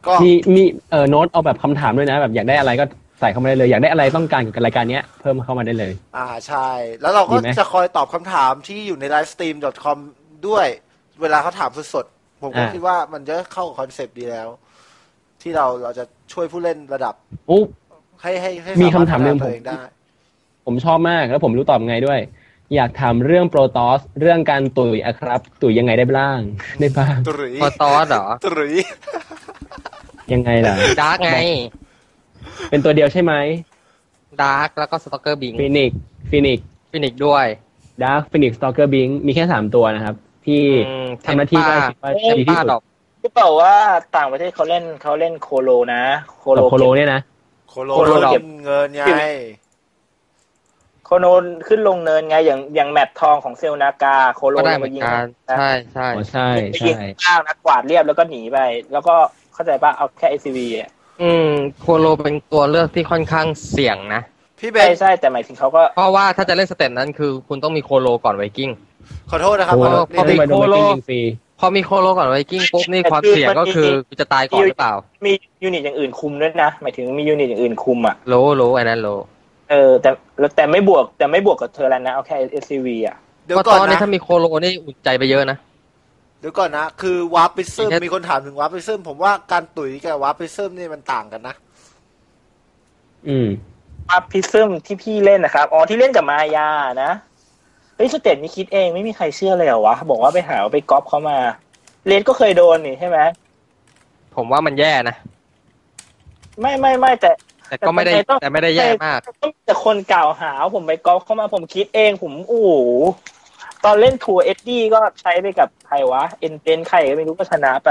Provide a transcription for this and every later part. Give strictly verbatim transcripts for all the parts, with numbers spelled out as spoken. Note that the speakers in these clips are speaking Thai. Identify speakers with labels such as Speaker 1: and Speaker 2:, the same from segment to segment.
Speaker 1: ก็
Speaker 2: มีมีเอ่อโน้ตเอาแบบคำถามด้วยนะแบบอยากได้อะไรก็ใส่เข้ามาได้เลยอยากได้อะไรต้องการเกี่ยวกับรายการเนี้ยเพิ่มเข้ามาได้เลย
Speaker 1: อ่าใช่แล้วเราก็จะคอยตอบคำถามที่อยู่ใน ไลฟ์สตรีม ดอท คอม ด้วยเวลาเขาถามสดๆผมก็คิดว่ามันจะเข้ากับคอนเซปต์ดีแล้วที่เราเราจะช่วยผู้เล่นระดับให้ให้ให้
Speaker 2: มีคำถามหนึ่งผม
Speaker 1: ได้
Speaker 2: ผมชอบมากแล้วผมรู้ตอบไงด้วยอยากถามเรื่องโปรตอสเรื่องการตุ๋ยอะครับตุ๋ยยังไงได้บ้างได้บ้าง
Speaker 1: ตุ๋ย
Speaker 3: โปรตอสเหรอ
Speaker 1: ตุ๋ย
Speaker 2: ยังไงล่ะ
Speaker 3: ดาร์กไง
Speaker 2: เป็นตัวเดียวใช่ไหม
Speaker 3: ดาร์กแล้วก็สตอกเกอร์บิง
Speaker 2: ฟินิกฟินิก
Speaker 3: ฟินิกด้วย
Speaker 2: ดาร์กฟินิกสตอกเกอร์บิงมีแค่สามตัวนะครับที่ทำหน้าที่ได้คิดว่าดีที่สุด
Speaker 4: ที่บอกว่าต่างประเทศเขาเล่นเขาเล่นโคโลนะ
Speaker 2: โคโลโคโลเนี่ยนะ
Speaker 1: โคโลเก็บเงินไง
Speaker 4: โคโนขึ้นลงเนินไงอย่างอย่างแมปทองของเซลนากาโคโล
Speaker 3: มายิงใช่ใช่
Speaker 2: ใช่
Speaker 4: ใช่ข้างนะกวาดเรียบแล้วก็หนีไปแล้วก็เข้าใจป่ะเอาแค่ เอ ซี วี อ่ะ
Speaker 3: อืมโคโลเป็นตัวเลือกที่ค่อนข้างเสี่ยงนะ
Speaker 4: พี่เบนใช่แต่หมายถึงเขาก็
Speaker 3: เพราะว่าถ้าจะเล่นสเตตนั้นคือคุณต้องมีโคโลก่อนไวกิ้ง
Speaker 1: ขอโทษนะครับ
Speaker 2: พอมีโคโล
Speaker 3: พอมีโคโลก่อนไวกิ้งปุ๊บนี่ความเสี่ยงก็คือจะตายก่อนหรือเปล่า
Speaker 4: มียูนิตอย่างอื่นคุมด้วยนะหมายถึงมียูนิตอย่างอื่นคุมอ่ะ
Speaker 3: โลโลไอ้นั่นโล
Speaker 4: เออแต่แต่ไม่บวกแต่ไม่บวกกับเธอแล้วนะเอาแค่ เอส ซี วี อ่ะ
Speaker 3: เดี๋ยวก่อนนะถ้ามีโคโลนี่อุ่นใจไปเยอะนะ
Speaker 1: เดี๋ยวก่อนนะคือวาร์ปิซึมมีคนถามถึงวาร์ปิซึมผมว่าการตุ๋ยกับวาร์ปิซึมนี่มันต่างกันนะ
Speaker 2: อืม
Speaker 4: วาร์ปิซึมที่พี่เล่นนะครับอ๋อที่เล่นกับมายานะเฮ้ยสเตตนี่คิดเองไม่มีใครเชื่อเลยเหรอวะบอกว่าไปหาไปก๊อปเขามาเลนก็เคยโดนนี่ใช่ไหม
Speaker 3: ผมว่ามันแย่นะ
Speaker 4: ไม่ไม่ไม่แต่
Speaker 3: แต่ก็ไม่ได้แต่ไม่ได้แย่มาก
Speaker 4: แต่คนกล่าวหาผมไปก๊อปเข้ามาผมคิดเองผมโอ้โหตอนเล่นทัวร์เอ็ดดี้ก็ใช้ไปกับใครวะเอ็นเตนใครก็ไม่รู้ก็ชนะไป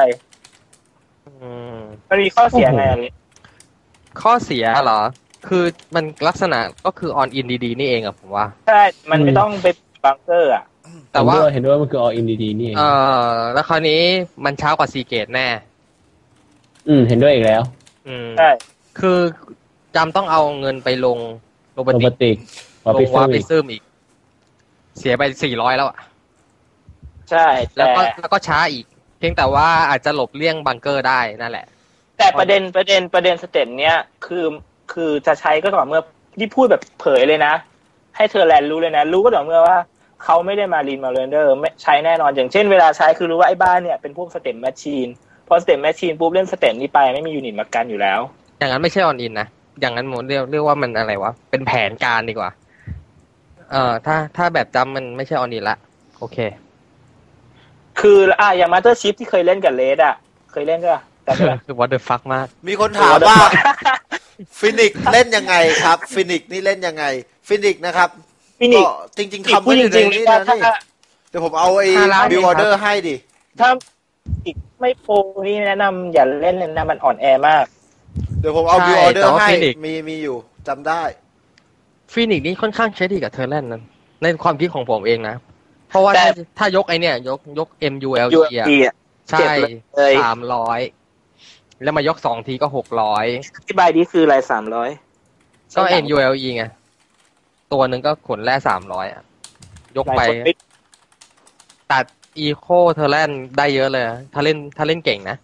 Speaker 4: มันมีข้อเสียไงอะไร
Speaker 3: ข้อเสียเหรอคือมันลักษณะก็คือออนอินดีๆนี่เองอะผมว่า
Speaker 4: ใช่มันไม่ต้องไปบังเกอร์อะ
Speaker 3: แต่ว่า
Speaker 2: เห็นด้วยมันคือออนอินดีๆนี่เอง
Speaker 3: เออแล้วคราวนี้มันช้ากว่าซีเกตแน่
Speaker 2: อืมเห็นด้วยอีกแล้ว
Speaker 3: อืมใช่คือจำต้องเอาเงินไปลงโรบอ
Speaker 2: ติก
Speaker 3: ลงวาร์ปซึมอีกเสียไปสี่ร้อยแล้วอ่ะ
Speaker 4: ใช่
Speaker 3: แล้วก็แล้วก็ช้าอีกเพียงแต่ว่าอาจจะหลบเลี่ยงบังเกอร์ได้นั่นแหละ
Speaker 4: แต่ประเด็นประเด็นประเด็นสเต็ปเนี้ยคือคือจะใช้ก็ต่อเมื่อที่พูดแบบเผยเลยนะให้เธอแลนรู้เลยนะรู้ก็ต่อเมื่อว่าเขาไม่ได้มารีนมาเรนเดอร์ไม่ใช้แน่นอนอย่างเช่นเวลาใช้คือรู้ว่าไอ้บ้านเนี่ยเป็นพวกสเต็ปแมชชีนพอสเต็ปแมชชีนปุ๊บเล่นสเต็ปนี้ไปไม่มียูนิตมากันอยู่แล้ว
Speaker 3: อย่างนั้นไม่ใช่ออนอินนะอย่างนั้นผมเรียกเรียกว่ามันอะไรวะเป็นแผนการดีกว่าเอ่อถ้าถ้าแบบจำมันไม่ใช่ออนอินละโอเค
Speaker 4: คืออ่ะอย่างมาสเตอร์ชิฟที่เคยเล่นกับเลดอ่ะเคยเล่นก็แต่
Speaker 3: คือ what the fuck มาก
Speaker 1: มีคนถามว่าฟินิกเล่นยังไงครับฟินิกนี่เล่นยังไงฟินิกนะครับก็จริงๆทำไม่ได้เลยนี่นะนี่เดี๋ยวผมเอาไอ้บิวออเดอร์ให้ดิ
Speaker 4: ถ้าอีกไม่โปรนี่แนะนำอย่าเล่นเลยนะมันอ่อนแอมาก
Speaker 1: เดี๋ยวผมเอาบิวออเดอร์ให้มีมีอยู่จำได้
Speaker 3: ฟินิกนี่ค่อนข้างใช้ดีกับเทอร์แลนด์นั้นในความคิดของผมเองนะเพราะว่าถ้ายกไอเนี่ยยกยก เอ็ม ยู แอล จี อ่ะใช่สามร้อยแล้วมายกสองทีก็หกร้อย
Speaker 4: อธิบายดีคืออะไรสามร้อย
Speaker 3: ก็ เอ็ม ยู แอล อี ไงตัวหนึ่งก็ขนแร่สามร้อยอ่ะยกไปตัดอีโคเทอร์แลนด์ได้เยอะเลยถ้าเล่นถ้าเล่นเก่งนะ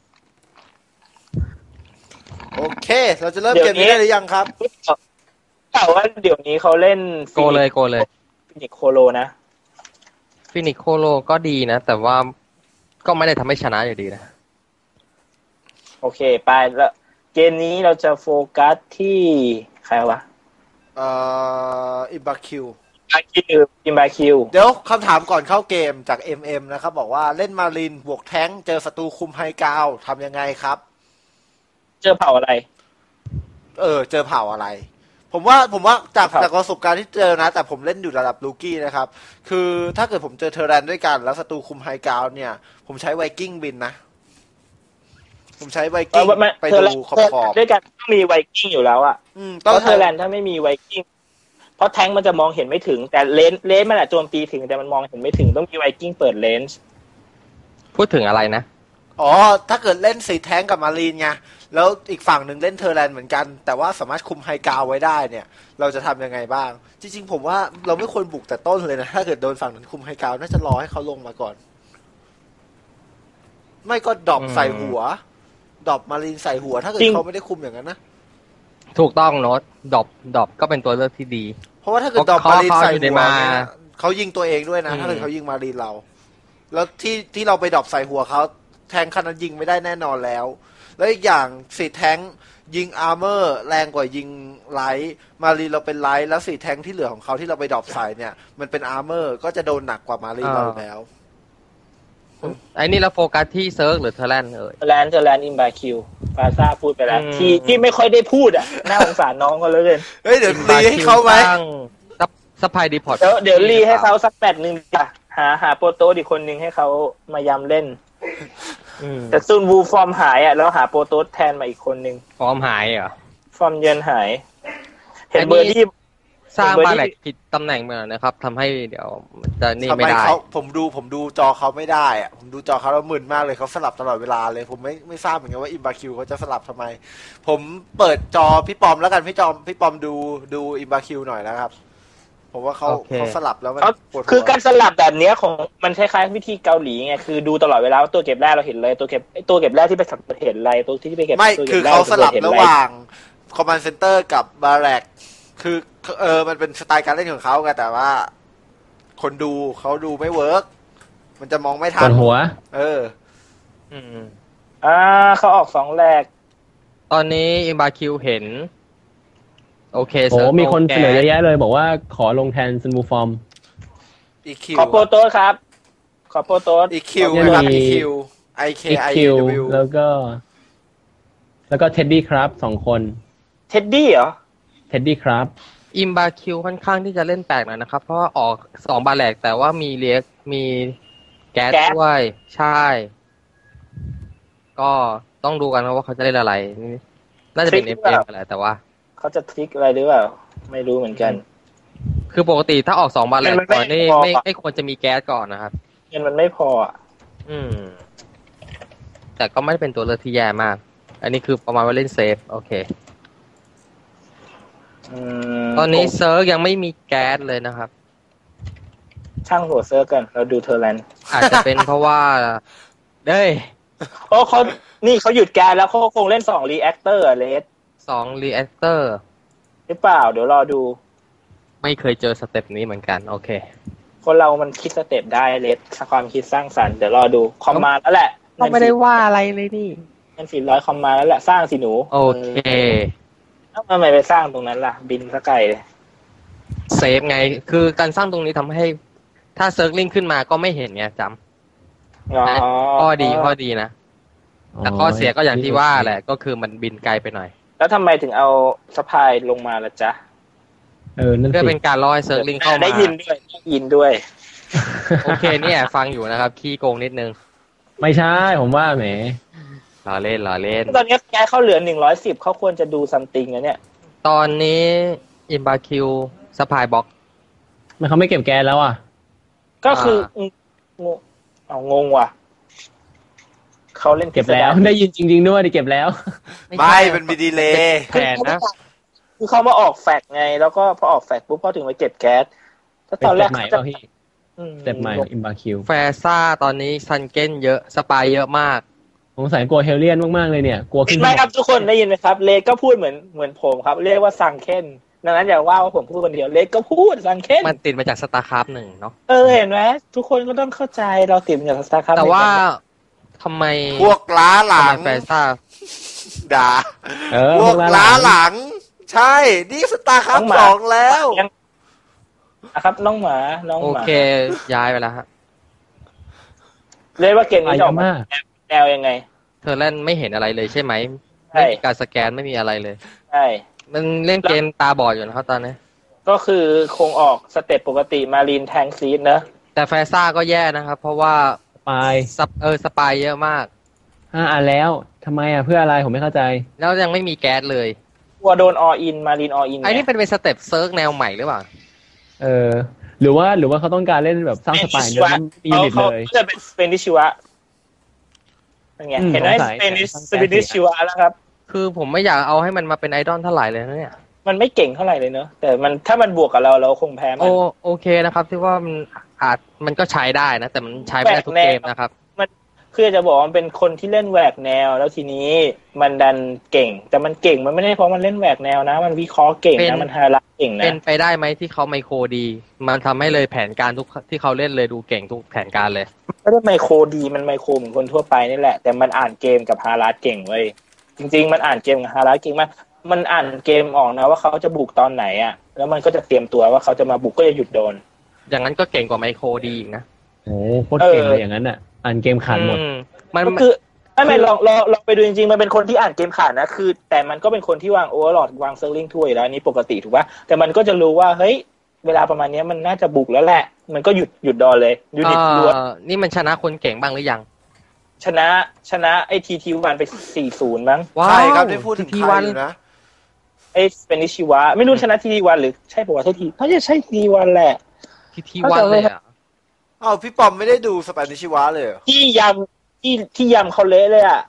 Speaker 1: โอเคเราจะเริ่มเกมนี้ได้หรือยังครับ
Speaker 4: แต่ว่าเดี๋ยวนี้เขาเล่น
Speaker 3: โกเลยโกเลย
Speaker 4: ฟินิกโคโลนะ
Speaker 3: ฟินิกโคโลก็ดีนะแต่ว่าก็ไม่ได้ทำให้ชนะอยู่ดีนะ
Speaker 4: โอเคไปแล้วเกมนี้เราจะโฟกัสที่ใครวะ
Speaker 1: เอ่ออิบาคิว
Speaker 4: อิบาคิวอิบาคิว
Speaker 1: เดี๋ยวคำถามก่อนเข้าเกมจาก เอ็ม เอ็ม นะครับบอกว่าเล่นมารินบวกแท้งเจอศัตรูคุมไฮกราวทำยังไงครับ
Speaker 4: เจอเผ่าอะไร
Speaker 1: เออเจอเผ่าอะไรผมว่าผมว่าจากจากประสบการณ์ที่เจอนะแต่ผมเล่นอยู่ระดับลูกี้นะครับคือถ้าเกิดผมเจอเทอร์แรนด้วยกันแล้วศัตรูคุมไฮกราวเนี่ยผมใช้ไวกิ้งบินนะผมใช้ไวกิ้งไปดูขอบ
Speaker 4: ๆด้วยกันต้องมีไวกิ้งอยู่แล้วอ่ะเพราะเทอร์แลนด์ถ้าไม่มีไวกิ้งเพราะแท้งมันจะมองเห็นไม่ถึงแต่เลนเลนมันอาจโจมตีถึงแต่มันมองเห็นไม่ถึงต้องมีไวกิ้งเปิดเลนส์
Speaker 3: พูดถึงอะไรนะ
Speaker 1: อ๋อถ้าเกิดเล่นสีแท้งกับมารีนไงแล้วอีกฝั่งหนึ่งเล่นเทอร์แลนด์เหมือนกันแต่ว่าสามารถคุมไฮกราวไว้ได้เนี่ยเราจะทำยังไงบ้างจริงๆผมว่าเราไม่ควรบุกแต่ต้นเลยนะถ้าเกิดโดนฝั่งนั้นคุมไฮกราวน่าจะรอให้เขาลงมาก่อนไม่ก็ดรอปใส่หัวดรอปมารีนใส่หัวถ้าเกิด
Speaker 4: จริง
Speaker 1: เขาไม่ได้คุมอย่างนั้นนะ
Speaker 3: ถูกต้องโน้ตดรอปดรอปก็เป็นตัวเลือกที่ดี
Speaker 1: เพราะว่าถ้าเกิดดรอปมารีนใส่
Speaker 3: เขาอยู่ใน
Speaker 1: หัว
Speaker 3: มา
Speaker 1: เนี่ยเขายิงตัวเองด้วยนะ
Speaker 3: อืม
Speaker 1: ถ้าเกิดเขายิงมารีนเรา แล้วที่ที่เราไปดรอปใส่หัวเขาแทงคันนั้นยิงไม่ได้แน่นอนแล้ว แล้วอีกอย่างสีแทงยิงอาร์เมอร์แรงกว่ายิงไลท์มารีนเราเป็นไลท์แล้วสีแทงที่เหลือของเขาที่เราไปดรอปใส่เนี่ยมันเป็นอาร์เมอร์ก็จะโดนหนักกว่ามารีนเราอยู่แล้ว
Speaker 3: ไอ้นี่เราโฟกัสที่เซิร์กหรือเทอร์แลนด์เอ่ย
Speaker 4: เทอร์แลนด์เทอร์แลนด์อินบาคิวฟาซ่าพูดไปแล้ว
Speaker 3: อืม
Speaker 4: ที่ที่ไม่ค่อยได้พูดอ่ะน่าสงสารน้องก็เลย
Speaker 1: เฮ้ยเดี๋ยวรีให้เขาไหม
Speaker 3: สปายดีพอร์ต
Speaker 4: เดี๋ยวเดี๋ยวรีให้เขาสักแมตช์หนึ่งดีกว่าหาหาโปรโตสอีกคนหนึ่งให้เขามายำเล่น แต่ซุนวูฟอร์มหายอ่ะแล้วหาโปรโตสแทนมาอีกคนหนึ่ง
Speaker 3: ฟอร์มหายเหรอ
Speaker 4: ฟอร์มเยือนหาย เห็นเบอร์ที่
Speaker 3: สร้าง
Speaker 4: เบอร์
Speaker 3: บา
Speaker 4: ที่
Speaker 3: แลกผิดตำแหน่งมานะครับทำให้เดี๋ยวมันจะนี่
Speaker 1: ทำ
Speaker 3: ไม่
Speaker 1: ไม
Speaker 3: ได้
Speaker 1: เขาผมดูผมดูจอเขาไม่ได้อะผมดูจอเขาแล้วมึนมากเลยเขาสลับตลอดเวลาเลย ผมไม่ไม่ทราบเหมือนกันว่าอิมบาคิวเขาจะสลับทำไม ผมเปิดจอพี่ปอมแล้วกันพี่จอมพี่ปอมดูดูอิมบาคิวหน่อยนะครับ ผมว่าเขา
Speaker 3: โอเค
Speaker 1: เขาสลับแล้วมัน
Speaker 4: เขา
Speaker 1: ปวดหัว
Speaker 4: คือการสลับแบบเนี้ยของมันคล้ายๆวิธีเกาหลีไงคือดูตลอดเวลาว่าตัวเก็บแรกเราเห็นเลยตัวเก็บไอ้ตัวเก็บแรกที่ไปสับเห็นอะไรตัวที่ไปเก็บ
Speaker 1: ไม่
Speaker 4: ตัว
Speaker 1: คื
Speaker 4: ก็
Speaker 1: อบ
Speaker 4: แรก
Speaker 1: เขาสลับ
Speaker 4: ห็นอ
Speaker 1: ระหว่างคอมมานด์เซ็นเตอร์กับบาแรกคือเออมันเป็นสไตล์การเล่นของเขาไงแต่ว่า คนดูเขาดูไม่เวิร์กมันจะมองไม่
Speaker 2: ป
Speaker 1: ทั
Speaker 2: วน ดหัว
Speaker 1: เออ
Speaker 3: อืม
Speaker 4: อ่าเขาออกสองแรก
Speaker 3: ตอนนี้อิมบาคิวเห็น โอเค
Speaker 2: โอ้
Speaker 3: เซิร์ฟ
Speaker 2: มีคน
Speaker 3: แก
Speaker 2: เสนอเยอะแยะเลย บอกว่าขอลงแทนซันบูฟอร์ม
Speaker 1: อีคิว
Speaker 4: ขอโปรโตสครับ ขอโปรโตส
Speaker 1: อีคิว
Speaker 2: เนี่ย
Speaker 1: นะครับ
Speaker 2: มี
Speaker 1: อีคิวไอเคไอ
Speaker 2: อี คิว
Speaker 1: วิว
Speaker 2: แล้วก็ แล้วก็เท็ดดี้ครับสองคน
Speaker 4: เท็ดดี้เหรอ
Speaker 2: เท็ดดี้ครับ
Speaker 3: อิมบาคิวค่อนข้างที่จะเล่นแปลกหน่อยนะครับ เพราะว่าออกสองบาแลกแต่ว่ามีเลียกมีแก๊ส
Speaker 4: แก๊ส
Speaker 3: ด้วย ใช่ ก็ต้องดูกันว่าเขาจะเล่นอะไร น่าจะเป็นเอฟเอแหละแต่ว่า
Speaker 4: เขาจะทริกอะไรหรือเปล่า ไม่รู้เหมือนกัน
Speaker 3: คือปกติถ้าออกสองบาแลก
Speaker 4: มันไม่
Speaker 3: ก่อนนี่
Speaker 4: พอ
Speaker 3: ไม่ไม่ควรจะมีแก๊สก่อนนะครับ
Speaker 4: เงินมันไม่พออ่ะ
Speaker 3: อืม แต่ก็ไม่ได้เป็นตัวเลือกที่แย่มาก อันนี้คือประมาณว่าเล่นเซฟ โอเค
Speaker 4: อืม
Speaker 3: ตอนนี้
Speaker 4: ผม
Speaker 3: เซิร์ฟยังไม่มีแก๊สเลยนะครับ
Speaker 4: ช่างหัวเซิร์ฟกัน เราดูเทอร์แลนด์
Speaker 3: อาจจะเป็นเพราะว่า เด้ย
Speaker 4: โอ้เขานี่เขาหยุดแกนแล้วเขาคงเล่นสองรีแอคเตอร์เลส
Speaker 3: สองรีแอคเตอร์
Speaker 4: หรือเปล่า เดี๋ยวรอดู
Speaker 3: ไม่เคยเจอสเต็ปนี้เหมือนกัน โอเค
Speaker 4: คนเรามันคิดสเต็ปได้เลสความคิดสร้างสรรค์เดี๋ยวรอดูคอมมาแล้วแหละ
Speaker 3: ก็ไม่ได้ว่าอะไรเลยนี่
Speaker 4: เงินสี่ร้อยคอมมาแล้วแหละสร้างสิหนู
Speaker 3: โอเค
Speaker 4: แล้วทำไมไปสร้างตรงนั้นล่ะ บินสกไกลเลย
Speaker 3: เซฟไง คือการสร้างตรงนี้ทำให้ ถ้าเซิร์ฟลิงขึ้นมาก็ไม่เห็นไงจ
Speaker 4: อ๋อ
Speaker 3: ำข้อดีข้อดีนะ แต่ข้อเสียก็อย่างที่ว่าแหละ ก็คือมันบินไกลไปหน่อย
Speaker 4: แล้วทำไมถึงเอาสะพายลงมาล่ะจ๊ะ
Speaker 2: เออ นั่น
Speaker 3: เพื่อ
Speaker 2: สิ
Speaker 3: เป็นการล่อให้เซิร์ฟลิงเข้ามา
Speaker 4: ได้ยินด้วยได้ยินด้วย
Speaker 3: โอเคเนี่ยฟังอยู่นะครับ ขี้โกงนิดนึง
Speaker 2: ไม่ใช่ ผมว่าแหม
Speaker 3: รอเล่นรอเล่น
Speaker 4: ตอนนี้แกเขาเหลือหนึ่งร้อยสิบเขาควรจะดูซัมติงนะเนี่ย
Speaker 3: ตอนนี้อิมบาคิวสปายบ็อก
Speaker 2: มันเขาไม่เก็บแกนแล้วอ่ะ
Speaker 4: ก็คืองงเอางงว่ะเขาเล่น
Speaker 2: เก็บแล้ว ได้ยินจริง ๆ ด้วยดิเก็บแล้ว
Speaker 1: ไม่มันมีดีเลย์
Speaker 3: แผนนะ
Speaker 4: คือเขามาออกแฟกไง แล้วก็พอออกแฟกปุ๊บเขาถึงมาเก็บแก๊สแล้ว
Speaker 2: เป็น
Speaker 4: ตอน
Speaker 2: ส
Speaker 4: แร
Speaker 2: เต็
Speaker 4: ก
Speaker 2: ปใหม่
Speaker 4: เขาจะ
Speaker 2: เปล่าพี่
Speaker 4: อืม
Speaker 2: สเต็ปใหม่อิมบาคิว
Speaker 3: แฟซ่าตอนนี้ซันเก้นเยอะสปายเยอะมาก
Speaker 2: สงสัยกลัวเฮลเลียนมาก ๆ เลยเนี่ย กลัวขึ้น
Speaker 4: ไม่ครับทุกคนได้ยินไหมครับ เลก็พูดเหมือนเหมือนผมครับ เรียกว่าซังเคนดังนั้นอย่าว่าว่าผมพูดคนเดียวเลก็พูดซังเคน
Speaker 3: มันติดมาจากสตาร์คราฟหนึ่งเนาะ
Speaker 4: เออเห็นไหมทุกคนก็ต้องเข้าใจเราติดมาจากสตาร์ครับ
Speaker 3: แต่ว่าทำไม
Speaker 1: พวกล้าหลั
Speaker 3: ทำไม
Speaker 1: ง
Speaker 3: แฟซ่า
Speaker 1: ด่า
Speaker 2: เออ
Speaker 1: พ
Speaker 2: พ
Speaker 1: ว
Speaker 2: ว
Speaker 1: ก
Speaker 2: ก
Speaker 1: ล้า
Speaker 2: ล้า
Speaker 1: ห
Speaker 2: หลัง
Speaker 1: ลัง ใช่ นี่สตาร์ครับสองแล้ว
Speaker 4: นะครับน้องหมาน้อง
Speaker 3: โอ
Speaker 4: หมา
Speaker 3: เค ย้ายไปแล้วฮะ
Speaker 4: เลยว่าเกมนี้จะออกมา
Speaker 2: อายมาก
Speaker 4: แนวยังไง
Speaker 3: เธอเล่นไม่เห็นอะไรเลยใช่ไหม
Speaker 4: ใช่
Speaker 3: ไม่มีการสแกนไม่มีอะไรเลย
Speaker 4: ใช่
Speaker 3: มันเล่นเกมตาบอดอยู่นะครับตอนนี้
Speaker 4: ก็คือคงออกสเต็ปปกติมารีนแทงซีดนะ
Speaker 3: แต่แฟซ่าก็แย่นะครับ เพราะว่า
Speaker 2: ปลาย
Speaker 3: สปเออสปายเยอะมาก
Speaker 2: ห้าอันแล้วทำไมอ่ะเพื่ออะไรผมไม่เข้าใจ
Speaker 3: แล้วยังไม่มีแก๊สเลย
Speaker 4: กลัวโดนออินมารีนออิน
Speaker 3: ไอ้นี่เป็นเป็นสเต็ปเซิร์กแนวใหม่หรือเปล่า
Speaker 2: เออ หรือว่าหรือว่าเขาต้องการเล่นแบบสร้างสปายเดิมมียูนิต
Speaker 4: เขา
Speaker 2: เลย
Speaker 4: จะเป็นสเปนิชิวะเป็นไง
Speaker 2: อืม
Speaker 4: เห็นไหม
Speaker 2: สงสั
Speaker 4: ส
Speaker 2: ย
Speaker 4: เปนิช
Speaker 2: สงสัย
Speaker 4: สเปนิชิวะแล้วครับ
Speaker 3: คือผมไม่อยากเอาให้มันมาเป็นไอดอลเท่าไหร่เลยนะเนี่ย
Speaker 4: มันไม่เก่งเท่าไหร่เลยเนอะแต่มันถ้ามันบวกกับเราเราคงแพ้มั
Speaker 3: โอน โอเคนะครับที่ว่ามันอาจมันก็ใช้ได้นะ แต่มันใช้ไม่ได้ทุกเกมนะครับ
Speaker 4: คคือจะบอกว่ามันเป็นคนที่เล่นแหวกแนวแล้วทีนี้มันดันเก่งแต่มันเก่งมันไม่ได้เพราะมันเล่นแหวกแนวนะมันวิเคราะห์เก่งนะมันฮาระเก่งนะ
Speaker 3: เป็นไปได้ไหมที่เขาไมโครดีมันทำให้เลยแผนการทุกที่เขาเล่นเลยดูเก่งทุกแผนการเลย
Speaker 4: ไม่ได้ไมโครดีมันไมโครเหมือนคนทั่วไปนี่แหละแต่มันอ่านเกมกับฮาระเก่งเว้ยจริงๆมันอ่านเกมกับฮาระเก่งมากมันอ่านเกมออกนะว่าเขาจะบุกตอนไหนอ่ะแล้วมันก็จะเตรียมตัวว่าเขาจะมาบุกก็จะหยุดโดน
Speaker 3: อย่างนั้นก็เก่งกว่าไมโครดีอีกนะ
Speaker 2: โอ้โคตรเก่งเลยอย่างนั้นอ่ะอ่านเกมขาดหมด
Speaker 4: มันคือไม่ไม่ลองลองลองไปดูจริงๆมันเป็นคนที่อ่านเกมขาดนะคือแต่มันก็เป็นคนที่วางโอเวอร์ลอดวางเซิร์ฟลิงถ้วยแล้วอันนี้ปกติถูกป่ะแต่มันก็จะรู้ว่าเฮ้ยเวลาประมาณนี้มันน่าจะบุกแล้วแหละมันก็หยุดหยุดดอนเลยยูนิตล้วน
Speaker 3: นี่มันชนะคนเก่งบ้างหรือยัง
Speaker 4: ชนะชนะไอทีทีวันไป สี่ศูนย์ มั้ง
Speaker 1: ใช่ครับได้พูดถึงทีวันนะ
Speaker 4: ไอสเปนิชิวะไม่รู้ชนะทีทีวันหรือใช่ป่ะทีทีเขาจะใช่ทีวันแหละ
Speaker 3: ทีทีวันเลยอ่ะ
Speaker 1: อ้าวพี่ปอมไม่ได้ดูสเปนิชิวะเลย
Speaker 4: ที่ยำที่ที่ยำเขาเละเลยอ่ะ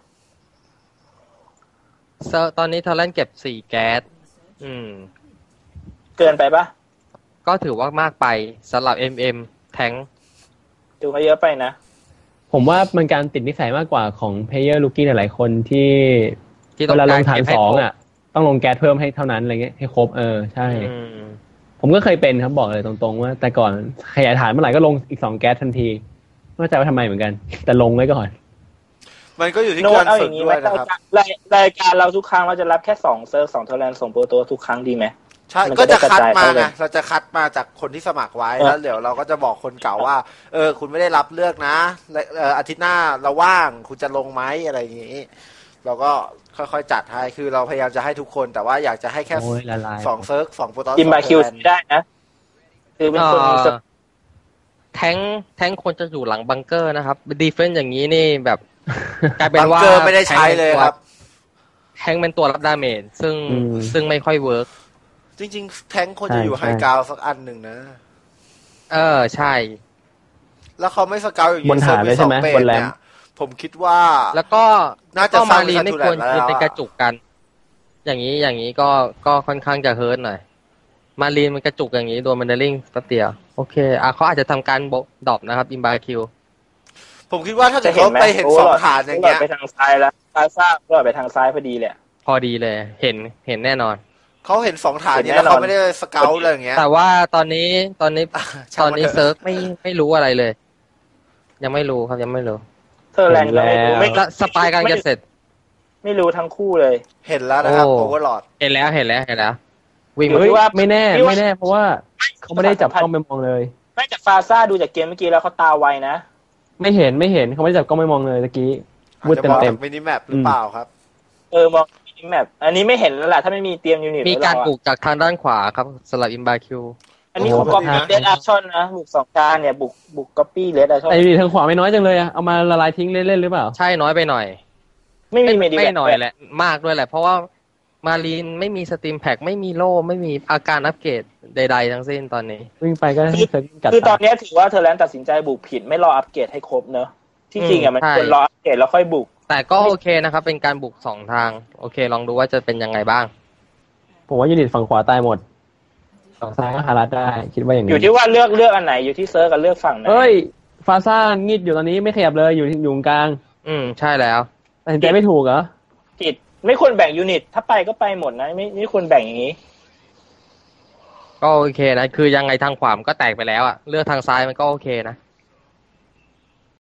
Speaker 3: ตอนนี้เทเลนเก็บสี่แก๊สอืม
Speaker 4: เกินไปปะ
Speaker 3: ก็ถือว่ามากไปสำหรับ เอ็ม เอ็ม แทง
Speaker 4: ดูมาเยอะไปนะ
Speaker 2: ผมว่ามันการติดนิสัยมากกว่าของเพลเยอร์ลูกี้หลายๆคนที่เวลาลงฐานสองอ่ะต้องลงแก๊สเพิ่มให้เท่านั้นอะไรเงี้ยให้ครบเออใช่ผมก็เคยเป็นครับบอกเลยตรงๆว่าแต่ก่อนขยายฐานเมื่อไหร่ก็ลงอีกสองแก๊สทันทีไม่เข้าใจว่าทำไมเหมือนกันแต่ลงไว้ก่อน
Speaker 1: มันก็อยู่ที่การฝึกด้วยนะครับ
Speaker 4: รายการเราทุกครั้งเราจะรับแค่สองเซิร์ฟสองเทอร์แลนด์ส่งโปรโตทุกครั้งดีไหม
Speaker 1: ใช่ก็จะคัดมาไงเราจะคัดมาจากคนที่สมัครไว้แล้วเดี๋ยวเราก็จะบอกคนเก่าว่าเออคุณไม่ได้รับเลือกนะเอออาทิตย์หน้าเราว่างคุณจะลงไหมอะไรอย่างนี้เราก็ค่อยๆจัดให้คือเราพยายามจะให้ทุกคนแต่ว่าอยากจะให้แค่สองเซิร์ฟสองโปรโต
Speaker 4: อิมบาคิวได้นะคือเป็นคนมี
Speaker 3: แทงแทงคนจะอยู่หลังบังเกอร์นะครับดีเฟนส์อย่างนี้นี่แบบกลายเป็นว่า
Speaker 1: บังเกอร์ไม่ได้ใช้เลยครับ
Speaker 3: แทงเป็นตัวรับดาเมจซึ่งซึ่งไม่ค่อยเวิร์ก
Speaker 1: จริงๆแทงคนจะอยู่ไฮกราวสักอันหนึ่งนะ
Speaker 3: เออใช่
Speaker 1: แล้วเขาไม่สเกลอย่างนี้บน
Speaker 2: ฐานเลยใช่ไหมบนแรม
Speaker 1: ผมคิดว่า
Speaker 3: แล้วก็น่าจะมารีไม่ควรยืนเป็นกระจุกกันอย่างนี้อย่างนี้ก็ก็ค่อนข้างจะเฮิร์ตหน่อยมารีนมันกระจุกอย่างนี้โดนมันเดลลิงแป๊บเดียวโอเคอ่ะเขาอาจจะทำการดรอปนะครับอิมบาคิว
Speaker 1: ผมคิดว่าถ้าเกิดเขาไปเห็นสองฐานอย่างเงี้ย
Speaker 4: ไปทางซ้ายแล้วซาซ่าก็ไปทางซ้ายพอดีเลย
Speaker 3: พอดีเลยเห็นเห็นแน่นอน
Speaker 1: เขาเห็นสองฐานนี้แล้วเขาไม่ได้สเกลอะไรอย่างเงี้ย
Speaker 3: แต่ว่าตอนนี้ตอนนี้ตอนนี้เซิร์ฟไม่ไม่รู้อะไรเลยยังไม่รู้ครับยังไม่รู้
Speaker 4: เธอแรงแล้ว
Speaker 3: ไม่สปายการจะเสร็จ
Speaker 4: ไม่รู้ทั้งคู่เลย
Speaker 1: เห็นแล้วนะครับโอเวอร์ลอด
Speaker 3: เห็นแล้วเห็นแล้วเห็นแล้ว
Speaker 2: วิ่งไม่แน่ไม่แน่เพราะว่าเขาไม่ได้จับกล้องไปมองเลย
Speaker 4: ไม่จากฟาซ่าดูจากเกมเมื่อกี้แล้วเขาตาไวนะ
Speaker 2: ไม่เห็นไม่เห็นเขาไม่ได้จับกล้องไปมองเลยตะกี้
Speaker 1: วุ้นเต็มเต็มมินิแมปหรือเปล่าครับ
Speaker 4: เออมองมินิแมปอันนี้ไม่เห็นแล้วแหละถ้าไม่มีเตรียมยูนิต
Speaker 3: มีการบุกจากทางด้านขวาครับสำหรับอิมบาคิว
Speaker 4: อันนี้ของก๊อปปี้เรดอาร์ชอนนะบุกสองการเนี่ยบุกบุกก๊อปปี้เรดอาร์ชอน
Speaker 2: ไอ้ทางขวาไม่น้อยจังเลยอะเอามาละลายทิ้งเล่นๆหรือเปล่า
Speaker 3: ใช่น้อยไปหน่อย
Speaker 4: ไม่มีเมดิ
Speaker 3: ไม่หน่อยแหละมากด้วยแหละเพราะว่ามารีนไม่มีสตรีมแพ็กไม่มีโล่ไม่มีอาการอัปเกรดใดๆทั้งสิ้นตอนนี้
Speaker 2: วิ่งไปก็
Speaker 4: คือตอนนี้ถือว่าเทอร์แลนด์ตัดสินใจบุกผิดไม่รออัปเกรดให้ครบเนอะที่จริงอ่ะมันควรรออัปเกรดแล้วค่อยบุก
Speaker 3: แต่ก็โอเคนะครับเป็นการบุกสองทางโอเคลองดูว่าจะเป็นยังไงบ้าง
Speaker 2: ผมว่ายูนิตฝั่งขวาตายหมดฝั่งซ้ายก็หารัดได้คิดว่าอย่างนี้
Speaker 4: อยู่ที่ว่าเลือกเลือกอันไหนอยู่ที่เซิร์ฟกับเลือกฝั่งไหน
Speaker 2: เอ้ยฟาซ่างิดอยู่ตอนนี้ไม่ขยับเลยอยู่อยู่กลาง
Speaker 3: อืมใช่แล้ว
Speaker 2: ตัดสินใจไม่ถูกเหรอ
Speaker 4: ผิดไม่ควรแบ่งยูนิตถ้าไปก็ไปหมดนะไม่ไม่ควรแบ่งอย่างนี้
Speaker 3: ก็โอเคนะคือยังไงทางขวามันก็แตกไปแล้วอะเลือกทางซ้ายมันก็โอเคนะ